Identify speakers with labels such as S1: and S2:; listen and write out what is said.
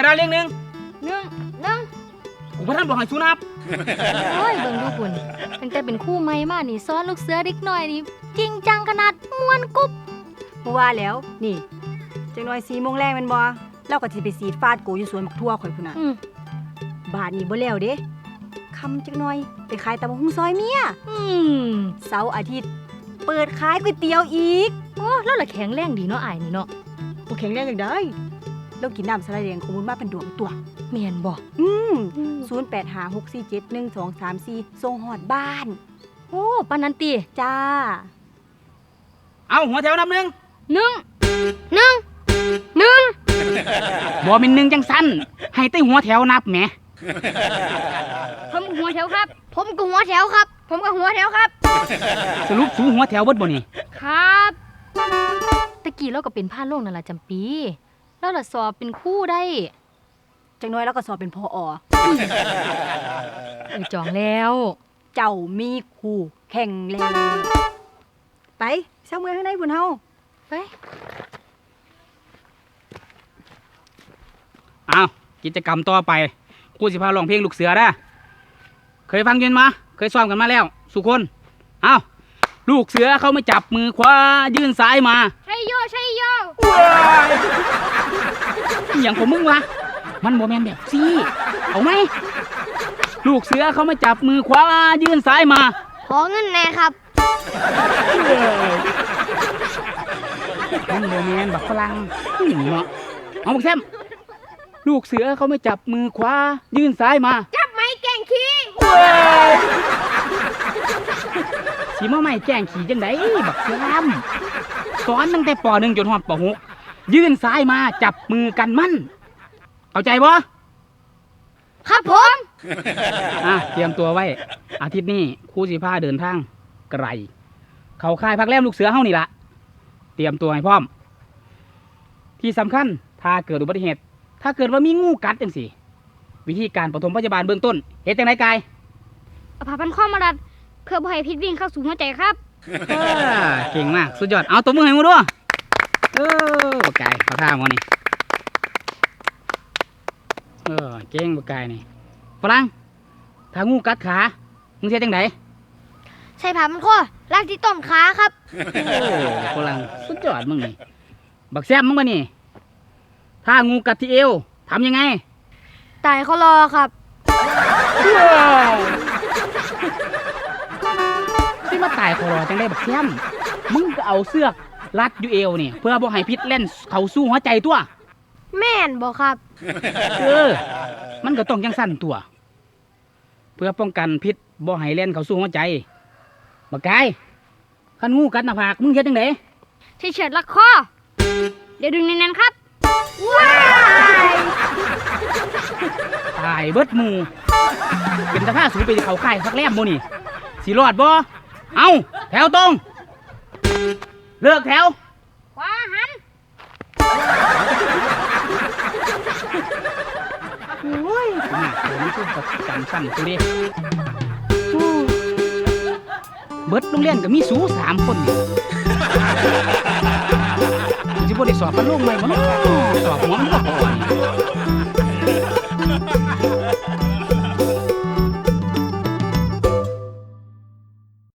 S1: ดาเลี้ยงหนึ่ง
S2: หนึ่ง
S1: กูพระท่านบอกให้สู้นับ
S2: โอ้ยเบิ่งดูคุณตั้งแต่เป็นคู่ใหม่มานี่ซ้อนลูกเสือเด็กน้อยนี่จริงจังขนาดม่วนกุ๊บ
S3: บ่ว่าแล้วนี่จังน้อย4 โมงแรงแม่นบ่เราก็สิไปสีดฟาดโกอยู่สวนบักทั่วข่อยพุ่นน่ะบาทนี้บ่แล้วเด้คำจังน้อยไปขายตำบักหุ่งซอยเมียเสาร์อาทิตย์เปิดขายก๋วยเตี๋ยวอีก
S2: โอ้แล้วละแข็งแรงดีเนาะอ้ายนี่เนาะ
S3: บ่แข็งแรงจังได๋เรากินน้ำสะระแดงของมูลมาเป็นดวงตัว
S2: แม่นบ่
S3: 0856471234ส่งฮอดบ้าน
S2: โอ้ปานนั้นติ
S3: จ้า
S1: เอาหัวแถวนับหนึ่ง
S2: หนึ่ง
S1: บ่เป็นหนึ่งจังสั้นให้แต่หัวแถวนับแหม
S2: ผมหัวแถวครับ ผมก็หัวแถวครับ ผมก็หัวแถวครับ
S1: สรุปสูหัวแถวเบิดบ่นี่
S2: ครับตะกี้เราก็เป็นพาโรงนั่นล่ะจำปีเราล่ะสอบเป็นครูได้
S3: จังน้อยเราก็สอบเป็นพอ
S2: จองแล้ว
S3: เจ้ามีคู่แข่งแล้วไปเช้าเมืองข้างในพุ่นเฮา
S2: ไป
S1: เอากิจกรรมต่อไปครูสิพาร้องเพลงลูกเสือได้เคยฟังยินมาเคยซ้อมกันมาแล้วสุคนเอาลูกเสือเขาไม่จับมือขวายื่นซ้ายมา
S2: ใช่โยอ
S1: อย่างของมึงวะมันโมแมนแบบซี่เอาไหมลูกเสือเขาไม่จับมือขวายื่นซ้ายมา
S2: ขอเงินแน่ครับ
S1: มันโมแมนแบบฝรั่งเนาะเอาบอกแซมลูกเสือเขาไม่จับมือขวายื่นซ้ายมา
S2: จับไม้แกงขี้
S1: สีมาใหม่แจ้งขี่จังไดบักแซมสอนตั้งแต่ป .1 จนฮอดป .6 ยื่นซ้ายมาจับมือกันมั่นเข้าใจบ่
S2: ครับผม
S1: เตรียมตัวไว้อาทิตย์นี้ครูสิพาเดินทางไกลเขาค่ายพักแรมลูกเสือเฮานี่ละเตรียมตัวให้พร้อมที่สำคัญถ้าเกิดอุบัติเหตุถ้าเกิดว่ามีงูกัดจังสิวิธีการปฐมพยาบาลเบื้องต้นเฮ็ดจังไดกาย
S2: เอาผ้าพันข้อมาดัดเพื่อบ่ให้พิษวิ่งเข้าสู่หัวใจครับ
S1: เก่งมากสุดยอดเอาตัวมือให้มึงด้วยบักกายเขาท่ามันนี่เก่งบักกายนี่ฝรั่งถ้างูกัดขามึงเฮ็ดจังได
S2: ใส่ผ้าพันข้อลากที่ต้นขาครับ
S1: ฝรั่งสุดยอดมึงนี่บักแซมมึงมานี่ถ้างูกัดที่เอวทำยังไง
S2: ตายเขารอครับ
S1: ที่มาตายคอรอจังได้บักแซมมึงก็เอาเสือกรัดอยู่เอวนี่เพื่อบ่ให้พิษเล่นเข้าสู่หัวใจตัว
S2: แม่นบอกครับ
S1: มันก็ต้องจังสั้นตัว เพื่อป้องกันพิษบ่ให้เล่นเข้าสู่หัวใจบักกายคันงูกัดหน้าผากมึงเฮ็ดจังได
S2: ที่เฉิดลักคอเดี๋ยวดึงแน่นๆครับ ว้าย
S1: ตายเบิดหมู่เป็นตาผ้าสูงไปเขาค่ายพักแรมบ่นี่สิรอดบ่เอาแถวตรงเลิกแถว
S2: ขวาหัน
S1: โอ้ยน่าเดี๋ยวนี้คือจำสั้นกูดิเบิดโรงเรียนก็มีสู3 คนนี่สิบ่ได้สอบกันลงใหม่บ่เนาะสอบหัวมันก็พอนี่